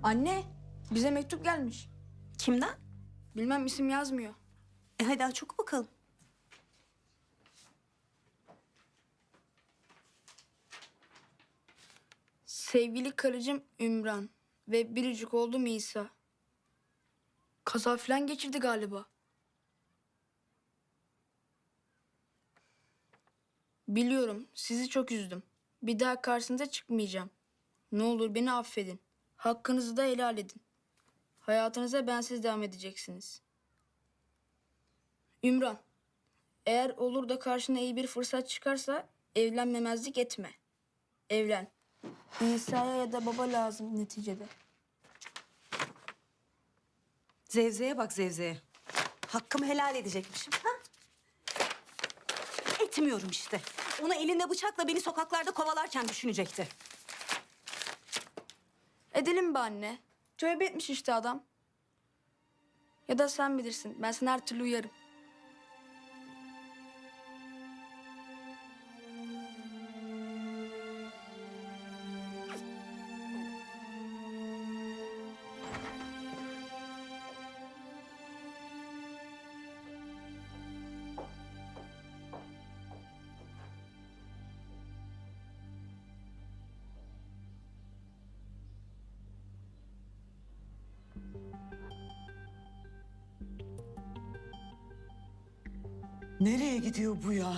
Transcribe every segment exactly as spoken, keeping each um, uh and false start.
Anne, bize mektup gelmiş. Kimden? Bilmem, isim yazmıyor. E hadi aç oku bakalım. Sevgili karıcığım Ümran ve biricik oğlum İsa. Kaza falan geçirdi galiba. Biliyorum, sizi çok üzdüm. Bir daha karşınıza çıkmayacağım. Ne olur beni affedin. Hakkınızı da helal edin. Hayatınıza bensiz devam edeceksiniz. Ümran, eğer olur da karşına iyi bir fırsat çıkarsa evlenmemezlik etme. Evlen. İsa'ya ya da baba lazım neticede. Zevzeye bak Zevzeye. Hakkımı helal edecekmişim. Ha? Etmiyorum işte. Onu elinde bıçakla beni sokaklarda kovalarken düşünecekti. Edelim be anne. Tövbe etmiş işte adam. Ya da sen bilirsin. Ben sana her türlü uyarım. Nereye gidiyor bu ya?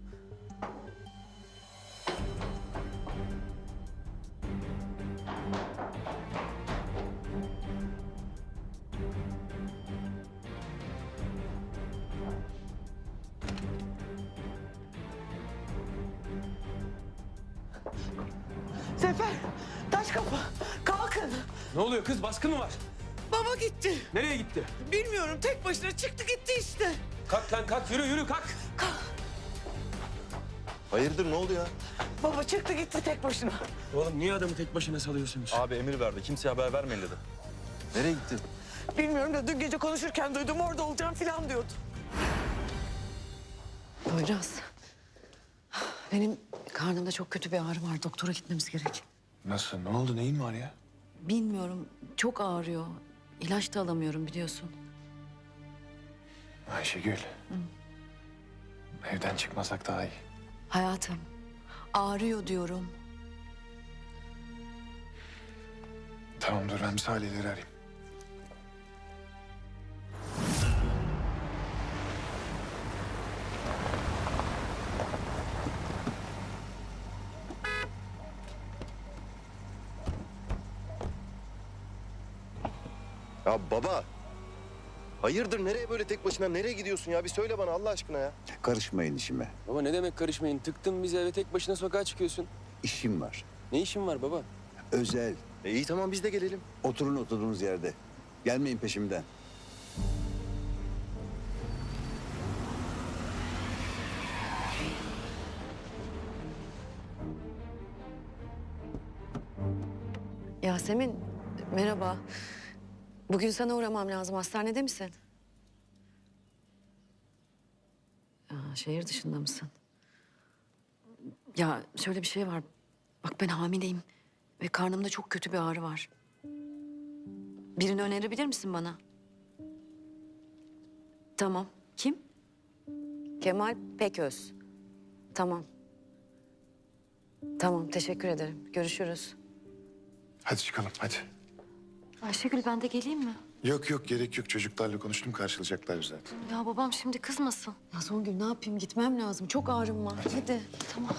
Sefer, taş kapı, kalkın. Ne oluyor kız? Baskın mı var? Baba gitti. Nereye gitti? Bilmiyorum, tek başına çıktı gitti işte. Kalk lan kalk. Yürü yürü kalk. Hayırdır ne oldu ya? Baba çıktı gitti tek başına. Oğlum niye adamı tek başına salıyorsunuz? Abi emir verdi. Kimseye haber vermeyin dedi. Nereye gitti? Bilmiyorum da dün gece konuşurken duydum orada olacağım falan diyordu. Poyraz. Benim karnımda çok kötü bir ağrı var. Doktora gitmemiz gerek. Nasıl? Ne oldu? Neyin var ya? Bilmiyorum. Çok ağrıyor. İlaç da alamıyorum biliyorsun. Ayşegül. Evden çıkmasak daha iyi. Hayatım. Ağrıyor diyorum. Tamam dur ben bir Salih'leri arayayım. Ya baba. Hayırdır nereye böyle tek başına? Nereye gidiyorsun ya? Bir söyle bana Allah aşkına ya. Karışmayın işime. Baba ne demek karışmayın? Tıktın bizi eve tek başına sokağa çıkıyorsun. İşim var. Ne işin var baba? Özel. E iyi tamam biz de gelelim. Oturun oturduğunuz yerde. Gelmeyin peşimden. Yasemin, merhaba. Bugün sana uğramam lazım. Hastanede misin? Aa, şehir dışında mısın? Ya şöyle bir şey var. Bak ben hamileyim ve karnımda çok kötü bir ağrı var. Birini önerebilir misin bana? Tamam. Kim? Kemal Peköz. Tamam. Tamam, teşekkür ederim. Görüşürüz. Hadi çıkalım hadi. Ayşegül ben de geleyim mi? Yok yok gerek yok. Çocuklarla konuştum karşılayacaklar zaten. Ya babam şimdi kızmasın. Ya Songül ne yapayım? Gitmem lazım. Çok ağrım var. Hadi. Tamam.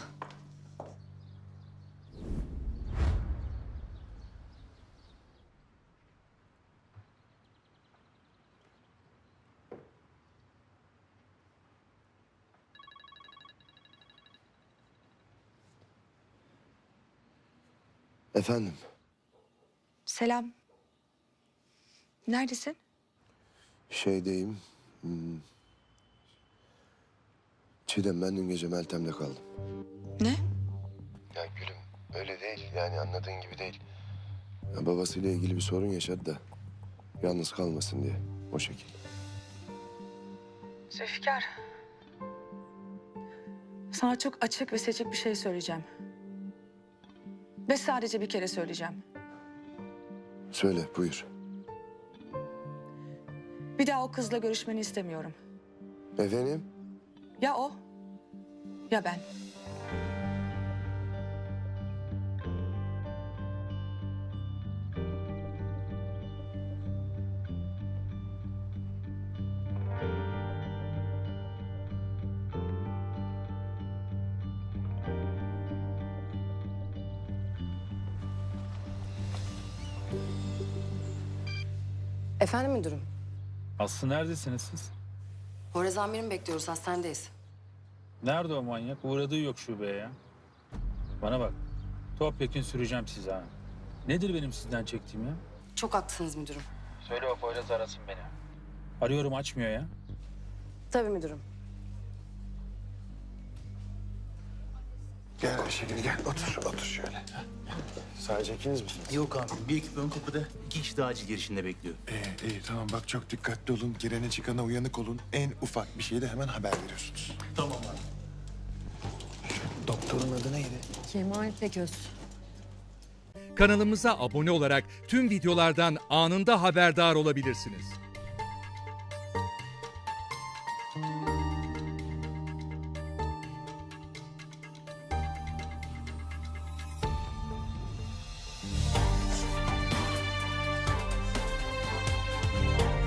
Efendim? Selam. Neredesin? Şeydeyim. Hmm. Çiğdem ben dün gece Meltem'le kaldım. Ne? Ya gülüm öyle değil yani anladığın gibi değil. Ya, babasıyla ilgili bir sorun yaşadı da yalnız kalmasın diye o şekil. Zülfikar. Sana çok açık ve seçik bir şey söyleyeceğim. Ve sadece bir kere söyleyeceğim. Söyle, buyur. Bir daha o kızla görüşmeni istemiyorum. Efendim? Ya o ya ben. Efendim müdürüm. Aslı neredesiniz siz? Horez amirimi bekliyoruz, hastanedeyiz. Nerede o manyak? Uğradığı yok şubeye ya. Bana bak. Topyekun süreceğim sizi ha. Nedir benim sizden çektiğim ya? Çok haklısınız müdürüm. Söyle o Poyraz arasın beni. Arıyorum açmıyor ya. Tabii müdürüm. Gel Ayşegül gel, otur, otur şöyle. Sadece ikiniz misiniz? Yok abi, bir ekip ön kapıda, iki kişi de acil girişinde bekliyor. İyi, iyi tamam bak çok dikkatli olun. Girene çıkana uyanık olun. En ufak bir şeyde hemen haber veriyorsunuz. Tamam abi. Doktorun adı neydi? Kemal Peköz. Kanalımıza abone olarak tüm videolardan anında haberdar olabilirsiniz.